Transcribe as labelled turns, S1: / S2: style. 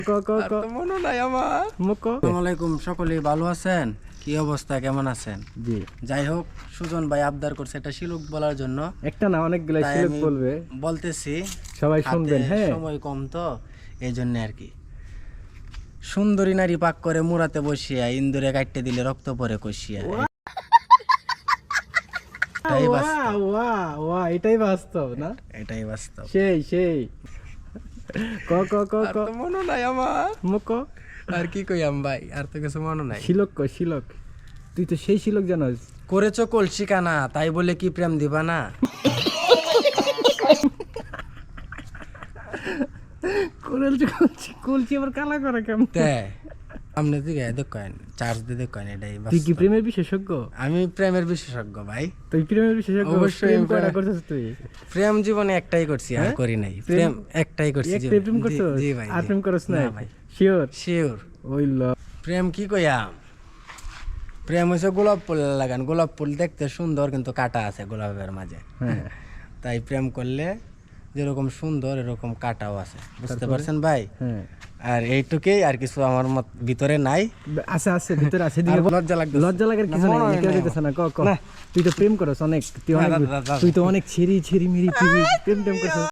S1: সকলেই ভালো আছেন? কি অবস্থা, কেমন আছেন?
S2: জি,
S1: যাই হোক, সুজন ভাই আবদার করছে একটা শিলুক বলার জন্য।
S2: একটা না অনেকগুলো
S1: তাই
S2: শিলুক
S1: আমি
S2: বলবে,
S1: বলতেছি,
S2: সবাই শুনবেন।
S1: হাতে
S2: হ্যাঁ,
S1: সময় কম তো এই জন্য আর কি। সুন্দরী নারী পাক করে মুরাতে বসিয়া, ইন্দুরে কাটতে দিলে রক্ত পরে কষিয়া। এটাই বাস্তব।
S2: এটাই বাস্তব না?
S1: এটাই বাস্তব।
S2: সেই ক ক ক
S1: আর
S2: ক
S1: তো মনে নাই আমার।
S2: মুক
S1: আর কি কইয়াম ভাই, আর তো কিছু মনে নাই।
S2: শিলক তুই তো সেই শিলক জানোস।
S1: করেছো কলসি কানা, তাই বলে কি প্রেম দিবা না?
S2: কলছি আবার কালা করে কেমন?
S1: আপনি দিকে দেখেন, চার্জ দিয়ে দেখেন, এটাই
S2: তুই কি
S1: বাস্তব।
S2: প্রেমের বিশেষজ্ঞ?
S1: আমি প্রেমের বিশেষজ্ঞ ভাই।
S2: তুই প্রেমের বিশেষজ্ঞ?
S1: অবশ্যই
S2: প্রেম
S1: আমি
S2: কয়টা
S1: প্রেম-
S2: করছিস তুই?
S1: প্রেম জীবনে একটাই করছি, আর করি নাই। প্রেম একটাই করছি
S2: একটাই
S1: জীবনে।
S2: প্রেম করছিস?
S1: জি ভাই,
S2: আর
S1: জি।
S2: প্রেম করছ না?
S1: না ভাই,
S2: শিওর?
S1: শিওর।
S2: ওই ল
S1: প্রেম কি কইয়াম, প্রেম হচ্ছে গোলাপ ফুল লাগান। গোলাপ ফুল দেখতে সুন্দর, কিন্তু কাটা আছে গোলাপের মাঝে।
S2: হ্যাঁ,
S1: তাই প্রেম করলে যেরকম সুন্দর এরকম কাটাও আছে, বুঝতে পারছেন ভাই?
S2: হ্যাঁ।
S1: আর এইটুকুই, আর কিছু আমার ভিতরে নাই।
S2: আছে ভিতরে আছে।
S1: আর লজ্জা লাগতেছে।
S2: লজ্জা লাগার কিছু
S1: না,
S2: নাই,
S1: মনে
S2: কেউ
S1: হয়
S2: দিতেছে না। ক ক
S1: না।
S2: তুই তো প্রেম করছ অনেক,
S1: না, দাদা, দাদা।
S2: তুই তো অনেক ছিরি মিরি তুই প্রেম করছিস।